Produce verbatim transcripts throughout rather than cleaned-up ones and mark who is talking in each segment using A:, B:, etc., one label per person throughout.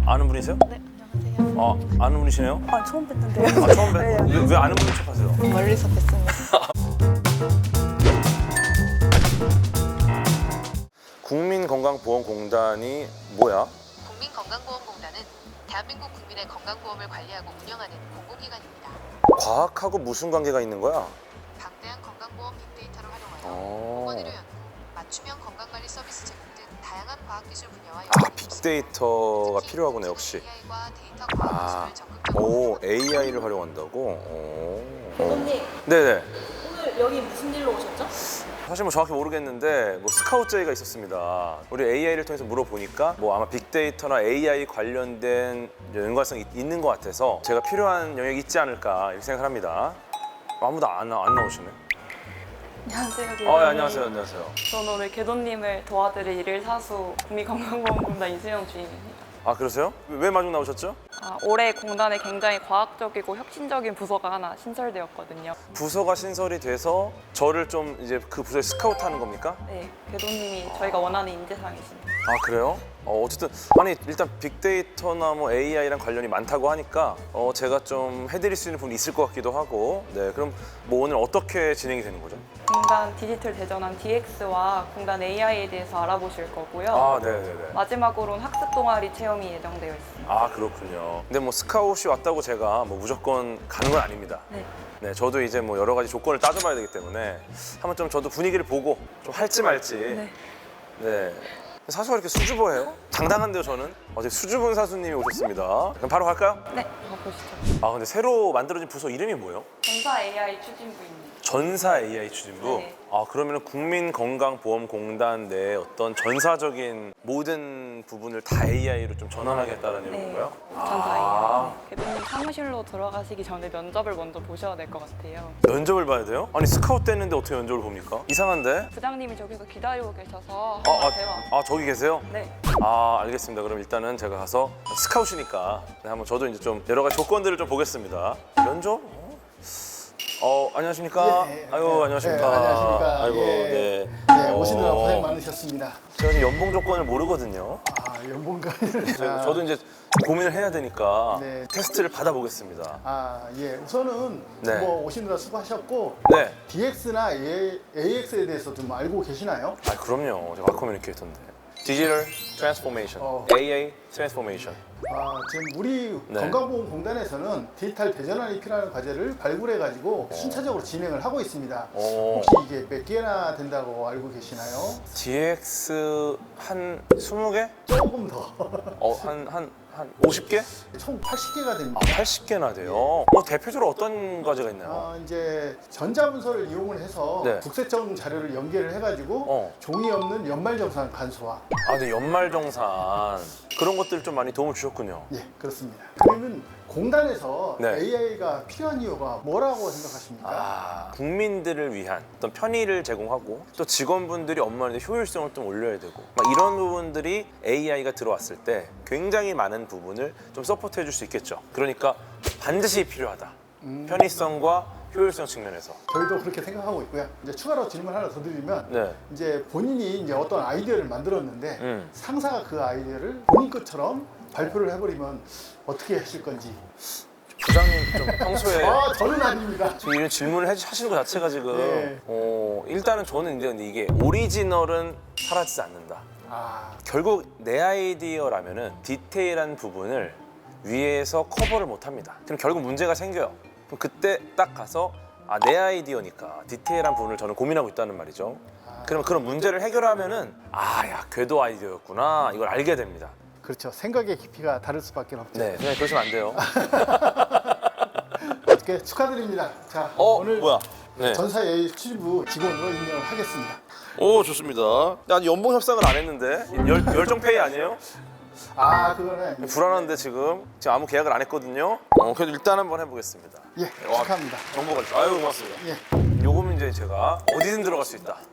A: 아는 분이세요?
B: 네, 안녕하세요.
A: 아, 아는 분이시네요?
B: 아, 처음 뵀는데요.
A: 아, 처음 뵀?
B: 네.
A: 왜, 왜 아는 분인 척하세요?
B: 멀리서 뵀습니다.
A: 국민건강보험공단이 뭐야?
C: 국민건강보험공단은 대한민국 국민의 건강보험을 관리하고 운영하는 공공기관입니다.
A: 과학하고 무슨 관계가 있는 거야?
C: 방대한 건강보험 빅데이터를 활용하여
A: 어.
C: 보건의료 연구, 맞춤형 건강관리 서비스 제공 등 다양한 과학기술 분야와
A: 아, 빅데이터가 필요하구나, 역시.
C: 에이아이과 데이터
A: 아,
C: 과학 기술을 적극적으로
A: 오, 에이아이를 활용한다고? 오.
B: 대표님,
A: 네네.
B: 오늘 여기 무슨 일로 오셨죠?
A: 사실 뭐 정확히 모르겠는데 뭐 스카우트 제의가 있었습니다. 우리 에이아이를 통해서 물어보니까 뭐 아마 빅데이터나 에이아이 관련된 연관성이 있는 것 같아서 제가 필요한 영역이 있지 않을까 이렇게 생각을 합니다. 아무도 안, 나- 안 나오시네.
B: 안녕하세요.
A: 아,
B: 대표님.
A: 네, 안녕하세요, 안녕하세요.
B: 저는 오늘 개도님을 도와드릴 일일 사수 국민건강보험공단 이수영 주임입니다.
A: 아, 그러세요? 왜 마중 나오셨죠?
B: 아, 올해 공단에 굉장히 과학적이고 혁신적인 부서가 하나 신설되었거든요.
A: 부서가 신설이 돼서 저를 좀 이제 그 부서에 스카우트 하는 겁니까?
B: 네, 개도님이 저희가 원하는 인재상이십니다.
A: 아, 그래요? 어, 어쨌든 아니 일단 빅데이터나 뭐 에이아이랑 관련이 많다고 하니까 어, 제가 좀 해드릴 수 있는 부분이 있을 것 같기도 하고. 네, 그럼 뭐 오늘 어떻게 진행이 되는 거죠?
B: 공단 디지털 대전환 디엑스와 공단 에이아이에 대해서 알아보실 거고요.
A: 아, 네네네.
B: 마지막으로는 학습 동아리 체험이 예정되어 있습니다.
A: 아, 그렇군요. 근데 뭐 스카웃이 왔다고 제가 뭐 무조건 가는 건 아닙니다.
B: 네.
A: 네, 저도 이제 뭐 여러 가지 조건을 따져봐야 되기 때문에 한번 좀 저도 분위기를 보고 좀 할지 말지.
B: 네.
A: 네. 사수가 이렇게 수줍어해요? 당당한데요, 저는? 어제 수줍은 사수님이 오셨습니다. 그럼 바로 갈까요?
B: 네, 가보시죠.
A: 아, 근데 새로 만들어진 부서 이름이 뭐예요?
B: 전사 에이아이 추진부입니다.
A: 전사 에이아이 추진부?
B: 네.
A: 아, 그러면 국민건강보험공단 내 어떤 전사적인 모든 부분을 다 에이아이로 좀 전환하겠다는
B: 네,
A: 건가요?
B: 전사
A: 아.
B: 에이아이. 개도님 사무실로 들어가시기 전에 면접을 먼저 보셔야 될 것 같아요.
A: 면접을 봐야 돼요? 아니, 스카우트 됐는데 어떻게 면접을 봅니까? 이상한데?
B: 부장님이 저기서 기다리고 계셔서
A: 아,
B: 한번
A: 아,
B: 대화.
A: 아, 저기 계세요?
B: 네.
A: 아, 알겠습니다. 그럼 일단은 제가 가서 스카웃이니까 네, 한번 저도 이제 좀 여러 가지 조건들을 좀 보겠습니다. 면접? 어, 어, 안녕하십니까?
D: 예, 예.
A: 아유,
D: 네,
A: 안녕하십니까?
D: 네, 안녕하십니까?
A: 아이고,
D: 예.
A: 네.
D: 네, 오시느라
A: 어,
D: 고생 많으셨습니다.
A: 제가 지금 연봉 조건을 모르거든요.
D: 아, 연봉가.
A: 저- 저도 이제 고민을 해야 되니까
D: 네.
A: 테스트를 받아보겠습니다.
D: 아, 예. 우선은
A: 네.
D: 뭐 오시느라 수고하셨고
A: 네.
D: 디엑스나 에이엑스에 대해서 좀 알고 계시나요?
A: 아, 그럼요. 제가 커뮤니케이터인데. 디지털 트랜스포메이션,
D: 어.
A: 에이아이 트랜스포메이션.
D: 아, 지금 우리
A: 네.
D: 건강보험공단에서는 디지털 대전환이 필요한 과제를 발굴해가지고 순차적으로 진행을 하고 있습니다.
A: 어.
D: 혹시 이게 몇 개나 된다고 알고 계시나요?
A: 디엑스 한 스무 개?
D: 조금 더.
A: 어, 한, 한, 한 오십 개?
D: 총 팔십 개가 됩니다.
A: 아, 팔십 개나 돼요? 뭐 대표적으로 어떤 과제가 있나요?
D: 어, 이제 전자문서를 이용을 해서
A: 네.
D: 국세청 자료를 연계를 해가지고
A: 어.
D: 종이 없는 연말정산 간소화.
A: 아, 근데 연말정산 그런 것들 좀 많이 도움을 주셨군요.
D: 예, 그렇습니다. 그러면 공단에서
A: 네.
D: 에이아이가 필요한 이유가 뭐라고 생각하십니까?
A: 아, 국민들을 위한 어떤 편의를 제공하고 또 직원분들이 업무하는데 효율성을 좀 올려야 되고 막 이런 부분들이 에이아이가 들어왔을 때 굉장히 많은 부분을 좀 서포트 해줄 수 있겠죠. 그러니까 반드시 필요하다.
D: 음.
A: 편의성과 효율성 측면에서.
D: 저희도 그렇게 생각하고 있고요. 이제 추가로 질문 하나 더 드리면
A: 네.
D: 이제 본인이 이제 어떤 아이디어를 만들었는데
A: 음.
D: 상사가 그 아이디어를 본인 것처럼 발표를 해버리면 어떻게 하실 건지.
A: 부장님 좀 평소에
D: 아, 저는 아닙니다.
A: 지금 이런 질문을 해- 하시는 것 자체가 지금
D: 네.
A: 어, 일단은 저는 이제 근데 이게 오리지널은 사라지지 않는다.
D: 아,
A: 결국 내 아이디어라면은 디테일한 부분을 위에서 커버를 못 합니다. 그럼 결국 문제가 생겨요. 그럼 그때 딱 가서 아, 내 아이디어니까 디테일한 부분을 저는 고민하고 있다는 말이죠. 그러면 그런 문제를 해결하면은 아, 야, 궤도 아이디어였구나. 이걸 알게 됩니다.
D: 그렇죠. 생각의 깊이가 다를 수밖에 없죠.
A: 네, 그냥 그러시면 안 돼요.
D: 어떻게 축하드립니다. 자,
A: 어,
D: 오늘
A: 뭐야? 네.
D: 전사 에이아이 추진부 직원으로 임명하겠습니다.
A: 오, 좋습니다. 아니, 연봉 협상을 안 했는데 열, 열정 페이 아니에요?
D: 아, 그거는
A: 불안한데 지금 지금 아무 계약을 안 했거든요. 어, 그래도 일단 한번 해보겠습니다.
D: 예,
A: 와,
D: 축하합니다.
A: 정보가 있어. 아유, 고맙습니다.
D: 예.
A: 요거면 이제 제가 어디든 들어갈 수 있다.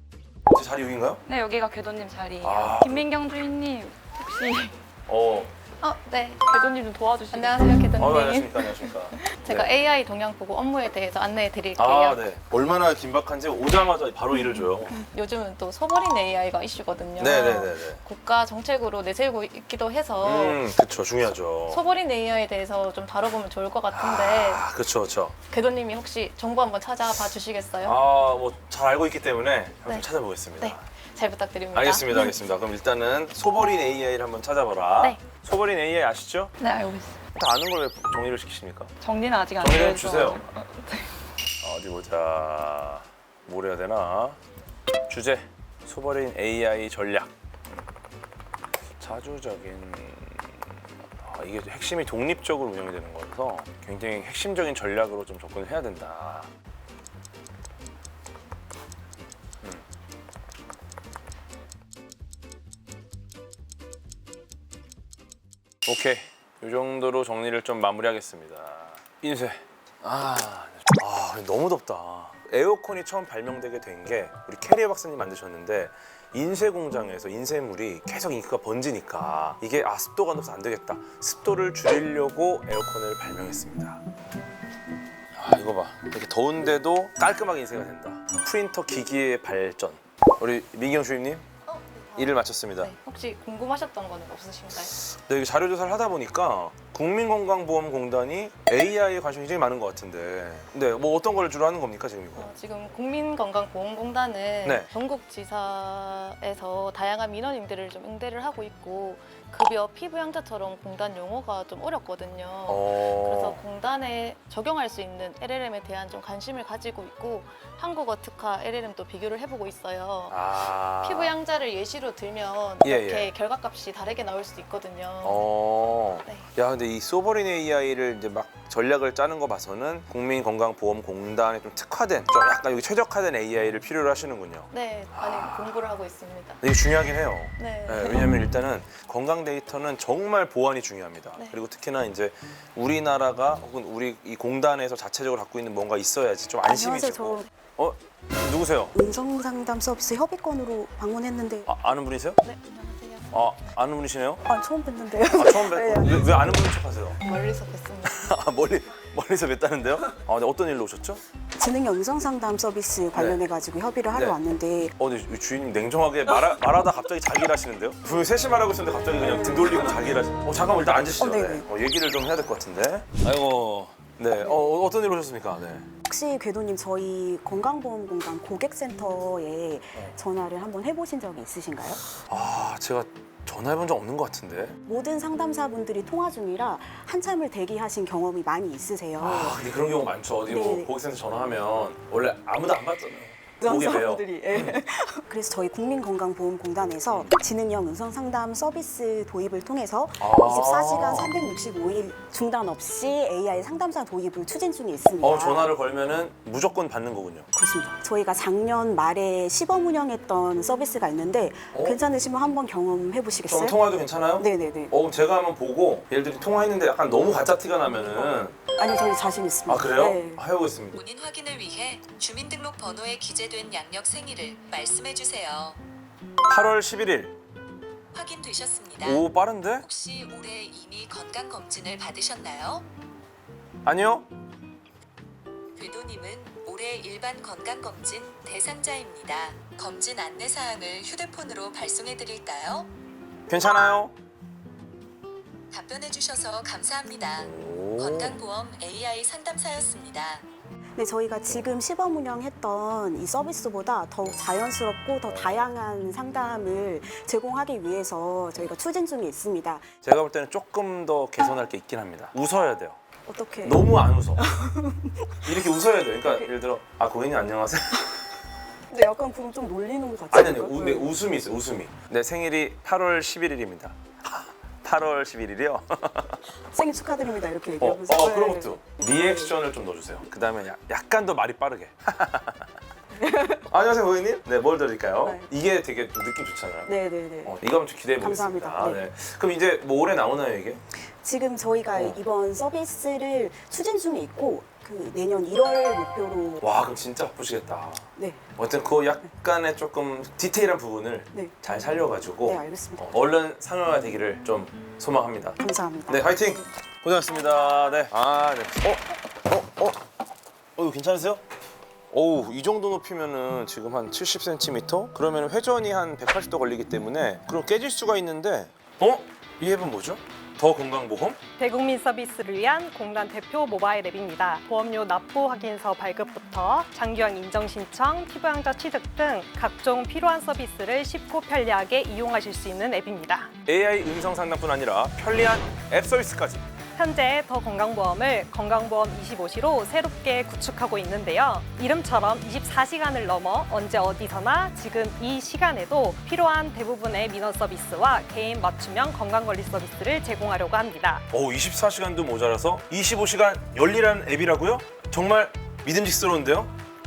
A: 제 자리 여기인가요?
B: 네, 여기가 개도님 자리예요.
A: 아.
B: 김민경 주인님 혹시
A: 어,
E: 어, 네.
B: 궤도님 좀 도와주시겠어요?
E: 안녕하세요, 개도님.
A: 어, 안녕하십니까, 안녕하십니까.
E: 제가
A: 네.
E: 에이아이 동향 보고 업무에 대해서 안내해 드릴게요.
A: 아, 네. 얼마나 긴박한지 오자마자 바로 일을 줘요.
E: 요즘은 또 소버린 에이아이가 이슈거든요.
A: 네네네네.
E: 국가 정책으로 내세우고 있기도 해서
A: 음, 그쵸, 중요하죠.
E: 소버린 에이아이에 대해서 좀 다뤄보면 좋을 것 같은데
A: 아, 그쵸, 그쵸.
E: 궤도님이 혹시 정보 한번 찾아봐 주시겠어요?
A: 아, 뭐 잘 알고 있기 때문에 한번
E: 네.
A: 찾아보겠습니다.
E: 네, 잘 부탁드립니다.
A: 알겠습니다, 알겠습니다. 그럼 일단은 소버린 에이아이를 한번 찾아봐라.
E: 네.
A: 소버린 에이아이 아시죠?
B: 네, 알고 있어요.
A: 다 아는 걸 왜 정리를 시키십니까?
B: 정리는 아직 안
A: 정리 좀
B: 돼서.
A: 주세요.
B: 어,
A: 어디 보자. 뭘 해야 되나? 주제 소버린 에이아이 전략. 자주적인 아, 이게 핵심이 독립적으로 운영이 되는 거라서 굉장히 핵심적인 전략으로 좀 접근을 해야 된다. 음. 오케이. 이 정도로 정리를 좀 마무리하겠습니다. 인쇄. 아, 아 너무 덥다. 에어컨이 처음 발명되게 된 게 우리 캐리어 박사님 만드셨는데 인쇄 공장에서 인쇄물이 계속 인기가 번지니까 이게 아 습도가 높아서 안 되겠다. 습도를 줄이려고 에어컨을 발명했습니다. 아 이거 봐. 이렇게 더운데도 깔끔하게 인쇄가 된다. 프린터 기기의 발전. 우리 민경 주임님
E: 어,
A: 일을 마쳤습니다.
E: 네, 혹시 궁금하셨던 거는 없으신가요?
A: 네, 자료 조사를 하다 보니까 국민건강보험공단이 에이아이에 관심이 굉장히 많은 것 같은데, 네, 뭐 어떤 걸 주로 하는 겁니까 지금 이거?
E: 어, 지금 국민건강보험공단은
A: 네.
E: 전국 지사에서 다양한 민원인들을 좀 응대를 하고 있고 급여 피부양자처럼 공단 용어가 좀 어렵거든요.
A: 어...
E: 그래서 공단에 적용할 수 있는 엘엘엠에 대한 좀 관심을 가지고 있고 한국어 특화 엘엘엠도 비교를 해보고 있어요.
A: 아...
E: 피부 양자를 예시로 들면
A: 예,
E: 이렇게
A: 예.
E: 결과값이 다르게 나올 수도 있거든요.
A: 어...
E: 네.
A: 야, 근데 이 소버린 에이아이를 이제 막 전략을 짜는 거 봐서는 국민건강보험공단에 좀 특화된, 좀 약간 여기 최적화된 에이아이를 필요로 하시는군요.
E: 네, 많이 공부를 하고 있습니다.
A: 이게 중요하긴 해요.
E: 네.
A: 네, 왜냐하면 일단은 건강 데이터는 정말 보안이 중요합니다.
E: 네.
A: 그리고 특히나 이제 우리나라가 혹은 우리 이 공단에서 자체적으로 갖고 있는 뭔가 있어야지 좀 안심이
F: 안녕하세요.
A: 되고.
F: 저
A: 어? 누구세요?
F: 음성 상담 서비스 협의권으로 방문했는데
A: 아, 아는 분이세요?
E: 네, 안녕하세요.
A: 아, 아는 분이시네요?
F: 아, 처음 뵀는데요.
A: 아, 처음 뵀.
F: 네.
A: 왜, 왜 아는 분인 척하세요?
E: 멀리서 뵀습니다.
A: 아, 멀리 멀리서 뵀다는데요? 아, 네, 어떤 일로 오셨죠?
F: 지능형 음성 상담 서비스 관련해 가지고 협의를 하러
A: 네.
F: 왔는데
A: 어, 근데 이 주인님 냉정하게 말하, 말하다 갑자기 자기 일 하시는데요? 분명히 셋이 말하고 있었는데 갑자기 그냥 등 돌리고 자기 일 하시. 어, 잠깐만 일단 앉으시죠.
F: 어, 네네.
A: 어, 얘기를 좀 해야 될 것 같은데. 아이고. 네. 어, 어떤 일로 오셨습니까? 네.
F: 혹시 궤도님 저희 건강보험공단 고객센터에 전화를 한번 해보신 적이 있으신가요?
A: 아, 제가 전화해본 적 없는 것 같은데.
F: 모든 상담사분들이 통화 중이라 한참을 대기하신 경험이 많이 있으세요.
A: 아, 근데 그런 경우 많죠. 어디 뭐
F: 네.
A: 고객센터 전화하면 원래 아무도 안 받잖아요. 보게 돼요.
F: 상담사분들이. 예. 그래서 저희 국민건강보험공단에서 지능형 음성 상담 서비스 도입을 통해서
A: 아.
F: 이십사 시간 삼백육십오 일 중단 없이 에이아이 상담사 도입을 추진 중에 있습니다.
A: 어, 전화를 걸면은 무조건 받는 거군요.
F: 그렇습니다. 저희가 작년 말에 시범 운영했던 서비스가 있는데
A: 어?
F: 괜찮으시면 한번 경험해 보시겠어요?
A: 그럼 통화도 괜찮아요?
F: 네네네.
A: 어, 그럼 제가 한번 보고 예를 들어 통화했는데 약간 너무 가짜 티가 나면은
F: 아니요, 저희 자신 있습니다.
A: 아, 그래요?
F: 네.
A: 아, 해보겠습니다.
C: 본인 확인을 위해 주민등록 번호에 기재된 양력 생일을 말씀해 주세요.
A: 팔월 십일일.
C: 확인되셨습니다.
A: 오, 빠른데?
C: 혹시 올해 이미 건강 검진을 받으셨나요?
A: 아니요?
C: 궤도님은 올해 일반 건강 검진 대상자입니다. 검진 안내 사항을 휴대폰으로 발송해 드릴까요?
A: 괜찮아요?
C: 답변해 주셔서 감사합니다.
A: 오.
C: 건강보험 에이아이 상담사였습니다.
F: 네, 저희가 지금 시범 운영했던 이 서비스보다 더욱 자연스럽고 더 다양한 상담을 제공하기 위해서 저희가 추진 중에 있습니다.
A: 제가 볼 때는 조금 더 개선할 게 있긴 합니다. 웃어야 돼요.
F: 어떻게?
A: 너무 안 웃어. 이렇게 웃어야 돼요. 그러니까 예를 들어 아 고객님 안녕하세요.
F: 근데 약간 그럼 좀 놀리는 것 같아요.
A: 아니 아니 우, 네, 웃음이 있어요. 웃음이. 내 생일이 팔월 십일일입니다. 팔월 십일일이요?
F: 생일 축하드립니다. 이렇게
A: 어,
F: 얘기하면서.
A: 어
F: 네.
A: 그런 것도 리액션을 좀 넣어주세요. 그 다음에 약간 더 말이 빠르게. 안녕하세요 고객님. 네, 뭘 드릴까요?
F: 네.
A: 이게 되게 좀 느낌 좋잖아요.
F: 네네네.
A: 어, 이거 한번 좀 기대해 보겠습니다.
F: 감사합니다. 네.
A: 네. 그럼 이제 뭐 올해 나오나요 이게?
F: 지금 저희가
A: 어.
F: 이번 서비스를 추진 중에 있고 그 내년 일월 목표로
A: 와 그럼 진짜 바쁘시겠다.
F: 네,
A: 어쨌든 그 약간의 조금 디테일한 부분을
F: 네,
A: 잘 살려가지고
F: 네 알겠습니다.
A: 어, 얼른 상용화 되기를 좀 소망합니다.
F: 감사합니다.
A: 네, 화이팅! 고생하셨습니다. 네. 아, 네. 어? 어? 어? 어, 이거 괜찮으세요? 어우, 이 정도 높이면은 지금 한 칠십 센티미터? 그러면 회전이 한 백팔십 도 걸리기 때문에 그럼 깨질 수가 있는데 어? 이 앱은 뭐죠? 더 건강보험?
G: 대국민 서비스를 위한 공단 대표 모바일 앱입니다. 보험료 납부 확인서 발급부터 장기형 인정 신청, 피부양자 취득 등 각종 필요한 서비스를 쉽고 편리하게 이용하실 수 있는 앱입니다.
A: 에이아이 음성 상담뿐 아니라 편리한 앱 서비스까지.
G: 현재 더 건강보험을 건강보험 이십오 시로 새롭게 구축하고 있는데요. 이름처럼 이십사 시간을 넘어 언제 어디서나 지금 이 시간에도 필요한 대부분의 민원 서비스와 개인 맞춤형 건강관리 서비스를 제공하려고 합니다.
A: 오, 이십사 시간도 모자라서 이십오 시간 열일하는 앱이라고요? 정말 믿음직스러운데요?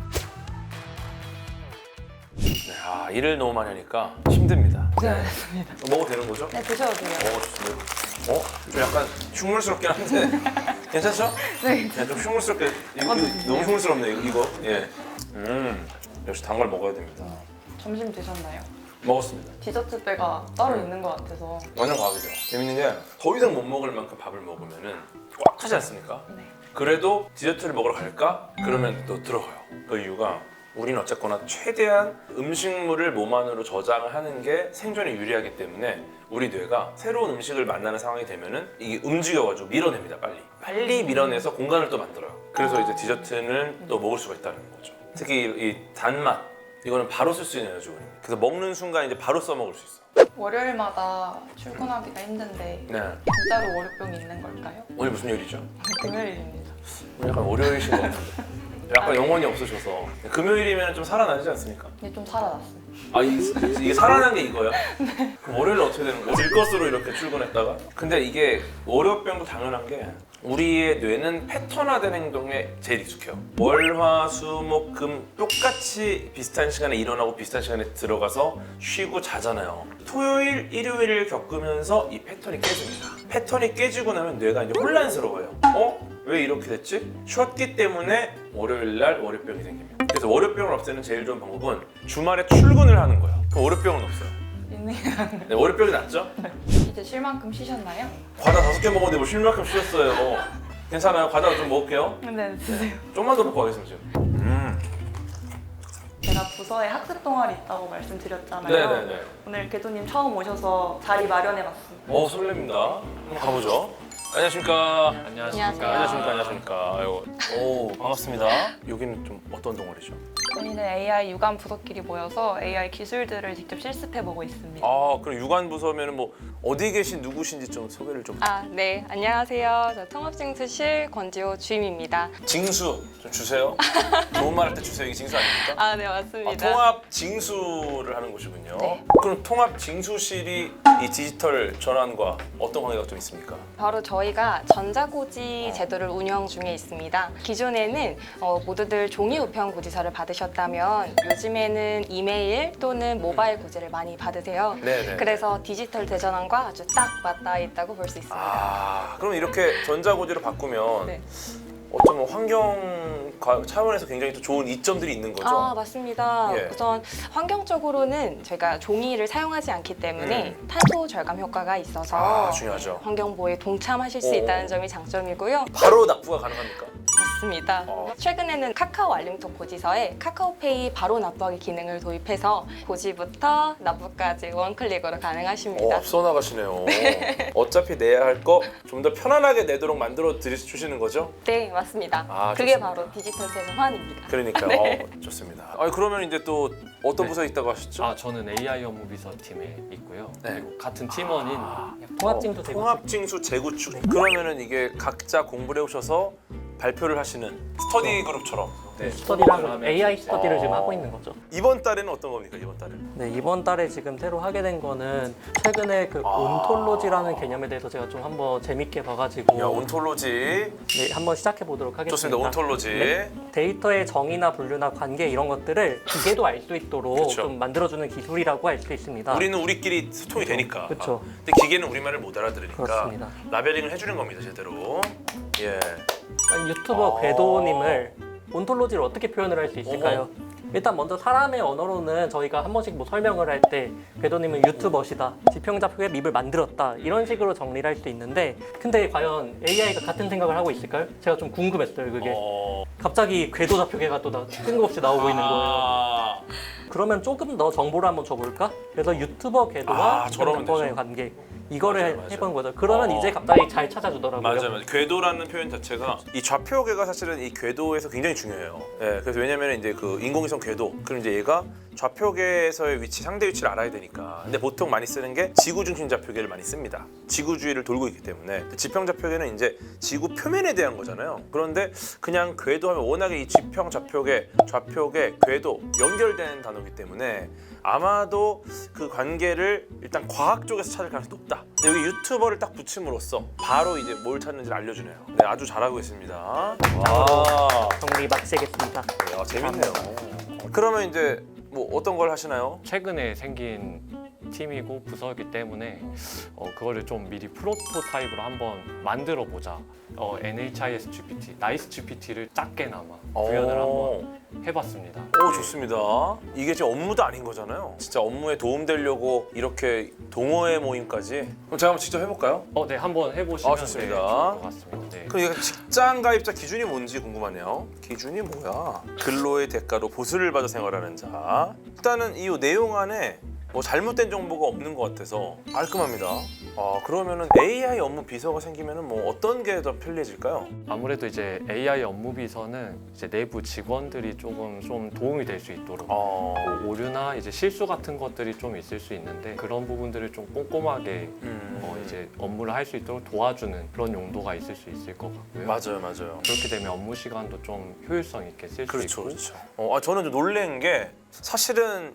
A: 네, 아, 일을 너무 많이 하니까 힘듭니다.
B: 고생하셨습니다.
A: 먹어도 되는 거죠?
B: 네, 드셔도 돼요.
A: 어, 좋습니다. 어? 좀 약간 흉물스럽긴 한데 괜찮죠?
B: 네.
A: 네, 좀 흉물스럽게 이거,
B: 어, 네.
A: 너무 흉물스럽네 이거, 이거. 예. 음, 역시 단 걸 먹어야 됩니다.
B: 점심 드셨나요?
A: 먹었습니다.
B: 디저트 배가 따로 있는 것 같아서.
A: 완전 과학이죠. 재밌는 게 더 이상 못 먹을 만큼 밥을 먹으면은 꽉 차지 않습니까?
B: 네.
A: 그래도 디저트를 먹으러 갈까? 그러면 또 들어가요. 그 이유가 우리는 어쨌거나 최대한 음식물을 몸 안으로 저장을 하는 게 생존에 유리하기 때문에 우리 뇌가 새로운 음식을 만나는 상황이 되면은 이게 움직여가지고 밀어냅니다. 빨리 빨리 밀어내서 공간을 또 만들어요. 그래서 이제 디저트는 또 먹을 수가 있다는 거죠. 특히 이 단맛 이거는 바로 쓸 수 있는 에너지원입니다. 그래서 먹는 순간 이제 바로 써먹을 수 있어.
B: 월요일마다 출근하기가 힘든데
A: 네.
B: 진짜로 월요병이 있는 걸까요?
A: 오늘 무슨 요일이죠?
B: 금요일입니다.
A: 오늘 약간 월요일이신 것 같은데. 약간 영혼이 없으셔서 금요일이면 좀 살아나지 않습니까?
B: 근데 좀 살아났어요.
A: 아 이, 이게 살아난 게 이거야? 그럼 월요일은 어떻게 되는 거야? 들것으로 이렇게 출근했다가? 근데 이게 월요병도 당연한 게 우리의 뇌는 패턴화된 행동에 제일 익숙해요. 월, 화, 수, 목, 금 똑같이 비슷한 시간에 일어나고 비슷한 시간에 들어가서 쉬고 자잖아요. 토요일, 일요일을 겪으면서 이 패턴이 깨집니다. 패턴이 깨지고 나면 뇌가 이제 혼란스러워요. 어? 왜 이렇게 됐지? 쉬었기 때문에 월요일 날 월요병이 생깁니다. 그래서 월요병을 없애는 제일 좋은 방법은 주말에 출근을 하는 거예요. 그럼 월요병은 없어요.
B: 있네요.
A: 네, 월요병이 낫죠?
B: 이제 쉴 만큼 쉬셨나요?
A: 과자 다섯 개 먹었는데 뭐 쉴 만큼 쉬었어요. 괜찮아요? 과자 좀 먹을게요.
B: 네, 드세요.
A: 좀만 더 먹고 가겠습니다 지금. 음.
B: 제가 부서에 학습 동아리 있다고 말씀드렸잖아요.
A: 네네네.
B: 오늘 궤도님 처음 오셔서 자리 마련해봤습니다.
A: 어 설렙니다. 한번 가보죠. 안녕하십니까.
H: 안녕하십니까.
A: 안녕하십니까. 안녕하십니까. 아이고. 오 반갑습니다. 여기는 좀 어떤 동아리죠?
B: 저희는 에이아이 유관 부서끼리 모여서 에이아이 기술들을 직접 실습해보고 있습니다.
A: 아 그럼 유관 부서면은 뭐 어디 계신 누구신지 좀 소개를 좀.
H: 아, 네. 안녕하세요. 저 통합징수실 권지호 주임입니다.
A: 징수 좀 주세요. 좋은 말 할 때 주세요. 이게 징수 아닙니까?
H: 아, 네,
A: 아,
H: 맞습니다.
A: 통합 징수를 하는 곳이군요.
H: 네.
A: 그럼 통합 징수실이 이 디지털 전환과 어떤 관계가 좀 있습니까?
H: 바로 저희가 전자고지 제도를 운영 중에 있습니다. 기존에는 어, 모두들 종이 우편 고지서를 받으셨다면 요즘에는 이메일 또는 모바일 고지를 많이 받으세요.
A: 네네.
H: 그래서 디지털 대전환과 아주 딱 맞닿아 있다고 볼 수 있습니다.
A: 아, 그럼 이렇게 전자고지로 바꾸면
H: 네.
A: 어쩌면 환경 과- 차원에서 굉장히 또 좋은 이점들이 있는 거죠?
H: 아, 맞습니다.
A: 예.
H: 우선 환경적으로는 저희가 종이를 사용하지 않기 때문에 탄소 절감 효과가 있어서
A: 아, 중요하죠.
H: 환경 보호에 동참하실 수
A: 오.
H: 있다는 점이 장점이고요.
A: 바로 납부가 가능합니까?
H: 맞습니다.
A: 어.
H: 최근에는 카카오 알림톡 고지서에 카카오페이 바로 납부하기 기능을 도입해서 고지부터 납부까지 원클릭으로
A: 어,
H: 가능하십니다.
A: 앞서 나가시네요. 어차피 내야 할 거 좀 더 편안하게 내도록 만들어 드리- 주시는 거죠?
H: 네, 맞습니다.
A: 아,
H: 그게
A: 좋습니다.
H: 바로 디지털 대전환입니다.
A: 그러니까요.
H: 네.
A: 어, 좋습니다. 아, 그러면 이제 또 어떤
I: 네.
A: 부서에 있다고 하셨죠?
I: 아, 저는 에이아이 업무 비서 팀에 있고요.
A: 네.
I: 그리고 같은 팀원인 통합징수
A: 어,
I: 재구축.
A: 통합징수 재구축. 그러면은 이게 각자 공부를 해오셔서 발표를 하시는 스터디 그룹처럼 네.
J: 스터디랑 에이아이 스터디를 지금 하고 있는 거죠.
A: 이번 달에는 어떤 겁니까? 이번 달에는?
J: 네, 이번 달에 지금 새로 하게 된 거는 최근에 그
A: 아.
J: 온톨로지라는 개념에 대해서 제가 좀 한번 재밌게 봐가지고
A: 야, 온톨로지.
J: 네, 한번 시작해 보도록 하겠습니다.
A: 좋습니다. 온톨로지.
J: 네. 데이터의 정의나 분류나 관계 이런 것들을 기계도 알 수 있도록
A: 그쵸.
J: 좀 만들어주는 기술이라고 할 수 있습니다.
A: 우리는 우리끼리 소통이 되니까.
J: 그쵸.
A: 근데 기계는 우리말을 못 알아들으니까
J: 그렇습니다.
A: 라벨링을 해주는 겁니다, 제대로. 예.
J: 유튜버
A: 아.
J: 궤도님을 온톨로지를 어떻게 표현을 할 수 있을까요? 일단 먼저 사람의 언어로는 저희가 한 번씩 뭐 설명을 할 때 궤도님은 유튜버시다, 지평자표의 밉을 만들었다 이런 식으로 정리를 할 수 있는데 근데 과연 에이아이가 같은 생각을 하고 있을까요? 제가 좀 궁금했어요 그게.
A: 어...
J: 갑자기 궤도 좌표계가 또 나- 뜬금없이 나오고 있는 거예요.
A: 아...
J: 그러면 조금 더 정보를 한번 줘볼까? 그래서 유튜버 궤도와
A: 아, 저러면
J: 지평자표의
A: 되죠.
J: 관계 이거를
A: 맞아요, 맞아요.
J: 해본 거죠. 그러면
A: 어.
J: 이제 갑자기 잘 찾아주더라고요.
A: 맞아요, 맞아요. 궤도라는 표현 자체가 이 좌표계가 사실은 이 궤도에서 굉장히 중요해요. 예, 그래서 왜냐면 이제 그 인공위성 궤도, 그럼 이제 얘가 좌표계에서의 위치, 상대 위치를 알아야 되니까. 근데 보통 많이 쓰는 게 지구 중심 좌표계를 많이 씁니다. 지구 주위를 돌고 있기 때문에. 지평 좌표계는 이제 지구 표면에 대한 거잖아요. 그런데 그냥 궤도하면 워낙에 이 지평 좌표계, 좌표계, 궤도 연결된 단어이기 때문에 아마도 그 관계를 일단 과학 쪽에서 찾을 가능성이 높다. 여기 유튜버를 딱 붙임으로써 바로 이제 뭘 찾는지를 알려주네요. 네, 아주 잘하고 있습니다. 와,
J: 정리 마치겠습니다.
A: 야, 재밌네요. 그러면 이제 뭐 어떤 걸 하시나요?
I: 최근에 생긴 팀이고 부서이기 때문에 어, 그거를 좀 미리 프로토타입으로 한번 만들어 보자. 어, 엔에이치아이에스 지피티, 나이스 지피티를 작게나마 구현을 한번 해봤습니다.
A: 오, 좋습니다. 이게 지금 업무도 아닌 거잖아요. 진짜 업무에 도움되려고 이렇게 동호회 모임까지. 그럼 제가 한번 직접 해볼까요?
I: 어, 네, 한번 해보시면
A: 아, 좋습니다.
I: 네, 좋을 것 같습니다. 네.
A: 그럼 이거 직장 가입자 기준이 뭔지 궁금하네요. 기준이 뭐야? 근로의 대가로 보수를 받아 생활하는 자. 일단은 이 내용 안에 뭐 잘못된 정보가 없는 것 같아서 깔끔합니다. 아, 그러면은 에이아이 업무 비서가 생기면은 뭐 어떤 게 더 편리해질까요?
I: 아무래도 이제 에이아이 업무 비서는 이제 내부 직원들이 조금 좀 도움이 될 수 있도록
A: 어...
I: 뭐 오류나 이제 실수 같은 것들이 좀 있을 수 있는데 그런 부분들을 좀 꼼꼼하게
A: 음...
I: 어, 이제 업무를 할 수 있도록 도와주는 그런 용도가 있을 수 있을 것 같고요.
A: 맞아요, 맞아요.
I: 그렇게 되면 업무 시간도 좀 효율성 있게 쓸 수
A: 그렇죠,
I: 있고.
A: 그렇죠. 어, 아, 저는 좀 놀란 게 사실은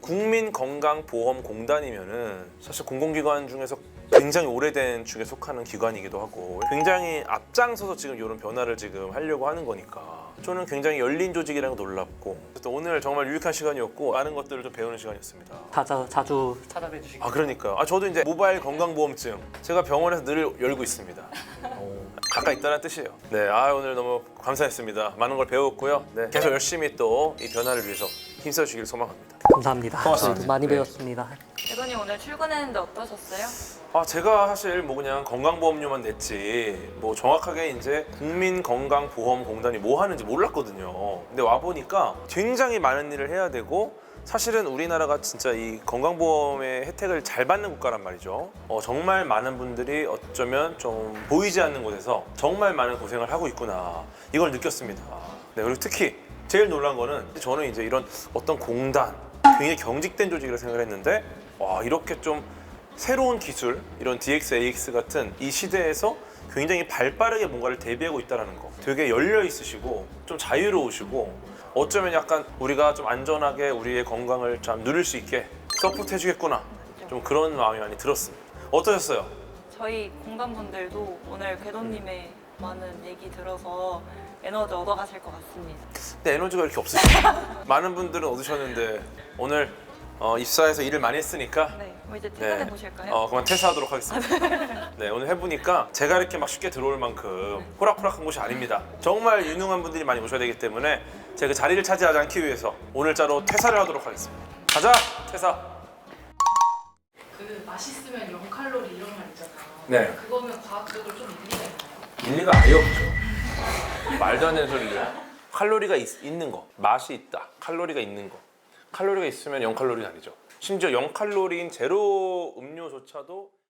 A: 국민건강보험공단이면은 사실 공공기관 중에서 굉장히 오래된 중에 속하는 기관이기도 하고 굉장히 앞장서서 지금 이런 변화를 지금 하려고 하는 거니까 저는 굉장히 열린 조직이라는 거 놀랍고 또 오늘 정말 유익한 시간이었고 많은 것들을 좀 배우는 시간이었습니다.
J: 자주 자주 찾아뵈 주시기.
A: 아, 그러니까요. 아, 저도 이제 모바일 건강보험증 제가 병원에서 늘 열고 있습니다. 가까이 있다는 뜻이에요. 네, 아, 오늘 너무 감사했습니다. 많은 걸 배웠고요. 네, 계속 열심히 또 이 변화를 위해서 힘써 주시길 소망합니다.
J: 감사합니다.
A: 고맙습니다.
J: 저도 많이
A: 네.
J: 배웠습니다.
B: 대도님 오늘 출근했는데 어떠셨어요?
A: 아, 제가 사실 뭐 그냥 건강보험료만 냈지 뭐 정확하게 이제 국민건강보험공단이 뭐 하는지 몰랐거든요. 근데 와 보니까 굉장히 많은 일을 해야 되고 사실은 우리나라가 진짜 이 건강보험의 혜택을 잘 받는 국가란 말이죠. 어, 정말 많은 분들이 어쩌면 좀 보이지 않는 곳에서 정말 많은 고생을 하고 있구나 이걸 느꼈습니다. 네, 그리고 특히 제일 놀란 거는 저는 이제 이런 어떤 공단 굉장히 경직된 조직이라 생각을 했는데 와, 이렇게 좀 새로운 기술, 이런 디엑스, 에이엑스 같은 이 시대에서 굉장히 발빠르게 뭔가를 대비하고 있다는 거 되게 열려 있으시고 좀 자유로우시고 어쩌면 약간 우리가 좀 안전하게 우리의 건강을 참 누릴 수 있게 서포트 해주겠구나 좀 그런 마음이 많이 들었습니다. 어떠셨어요?
B: 저희 공단분들도 오늘 궤도님의 많은 얘기 들어서 에너지 얻어가실 것 같습니다.
A: 근데 에너지가 이렇게 없으시죠? 많은 분들은 얻으셨는데 오늘 어, 입사해서 일을 많이 했으니까
B: 네, 뭐 이제 퇴근해
A: 네.
B: 보실까요?
A: 어, 그만 퇴사하도록 하겠습니다. 네, 오늘 해보니까 제가 이렇게 막 쉽게 들어올 만큼 호락호락한 곳이 아닙니다. 정말 유능한 분들이 많이 오셔야 되기 때문에 제가 그 자리를 차지하지 않기 위해서 오늘자로 퇴사를 하도록 하겠습니다. 가자, 퇴사.
K: 그 맛있으면 영 칼로리 이런 말 있잖아요.
A: 네.
K: 그거는 과학적으로 좀 일리가 있나요?
A: 일리가 아예 없죠. 말도 안 되는 소리예요. 칼로리가 있, 있는 거, 맛이 있다. 칼로리가 있는 거. 칼로리가 있으면 영 칼로리는 아니죠. 심지어 영 칼로리인 제로 음료조차도